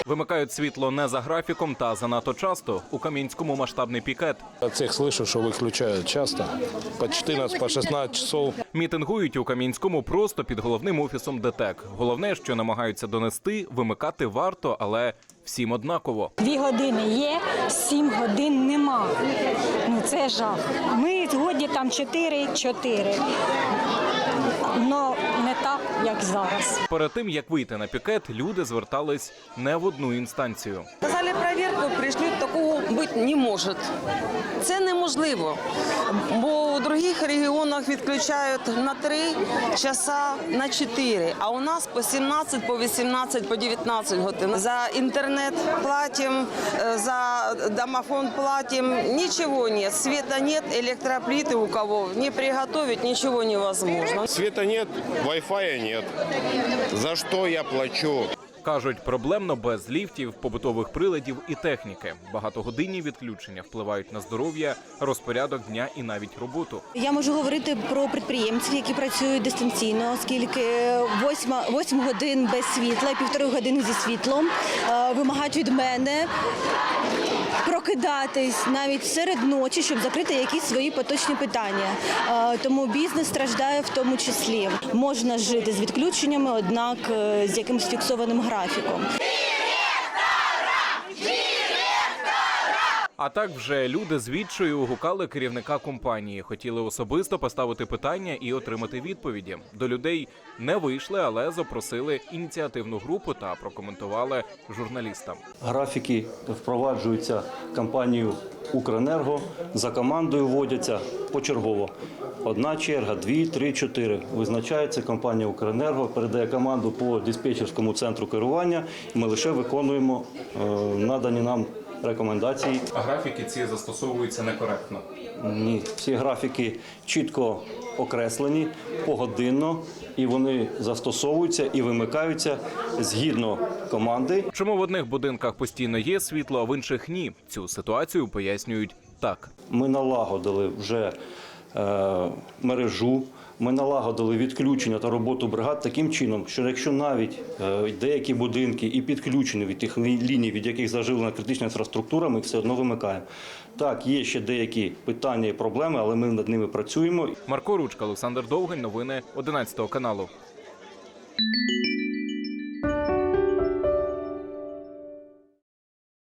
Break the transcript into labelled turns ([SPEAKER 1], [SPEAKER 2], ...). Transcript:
[SPEAKER 1] Вимикають світло не за графіком та занадто часто. У Кам'янському масштабний пікет.
[SPEAKER 2] От всех слышу, что выключают часто, по 14, по 16 часов.
[SPEAKER 1] Мітингують у Кам'янському просто під головним офісом ДТЕК. Головне, що намагаються донести, вимикати варто, але всім однаково.
[SPEAKER 3] 2 години є, 7 годин нема. Ну це жах. Ми згодні там 4. Но не так, як зараз.
[SPEAKER 1] Перед тим, як вийти на пікет, люди звертались не в одну інстанцію.
[SPEAKER 4] Сказали перевірку, прийшли, такого бути не може. Це неможливо, бо у інших регіонах відключають на 3 часа, на 4, а у нас по 17, по 18, по 19 годин. За інтернет платимо, за домофон платимо, нічого нет, света нет, електроплити у кого не приготовить, нічого невозможно.
[SPEAKER 5] Света нет, Wi-Fi нет. За что я плачу?
[SPEAKER 1] Кажуть, проблемно без ліфтів, побутових приладів і техніки. Багатогодинні відключення впливають на здоров'я, розпорядок дня і навіть роботу.
[SPEAKER 6] Я можу говорити про підприємців, які працюють дистанційно, оскільки 8 годин без світла, 1,5 години зі світлом вимагають від мене прокидатись навіть серед ночі, щоб закрити якісь свої поточні питання. Тому бізнес страждає в тому числі. Можна жити з відключеннями, однак з якимось фіксованим графіком.
[SPEAKER 1] А так вже люди з відчаю гукали керівника компанії. Хотіли особисто поставити питання і отримати відповіді. До людей не вийшли, але запросили ініціативну групу та прокоментували журналістам.
[SPEAKER 7] Графіки впроваджуються компанією «Укренерго», за командою вводяться почергово. 1 черга, 2, 3, 4. Визначається компанія «Укренерго», передає команду по диспетчерському центру керування, і ми лише виконуємо надані нам рекомендації.
[SPEAKER 1] А графіки ці застосовуються некоректно?
[SPEAKER 7] Ні, всі графіки чітко окреслені, погодинно, і вони застосовуються і вимикаються згідно команди.
[SPEAKER 1] Чому в одних будинках постійно є світло, а в інших ні? Цю ситуацію пояснюють так.
[SPEAKER 7] Ми налагодили вже мережу, ми налагодили відключення та роботу бригад таким чином, що якщо навіть деякі будинки і підключені від тих ліній, від яких заживлена критична інфраструктура, ми все одно вимикаємо. Так, є ще деякі питання і проблеми, але ми над ними працюємо.
[SPEAKER 1] Марко Ручка, Олександр Довгань, новини 11 каналу.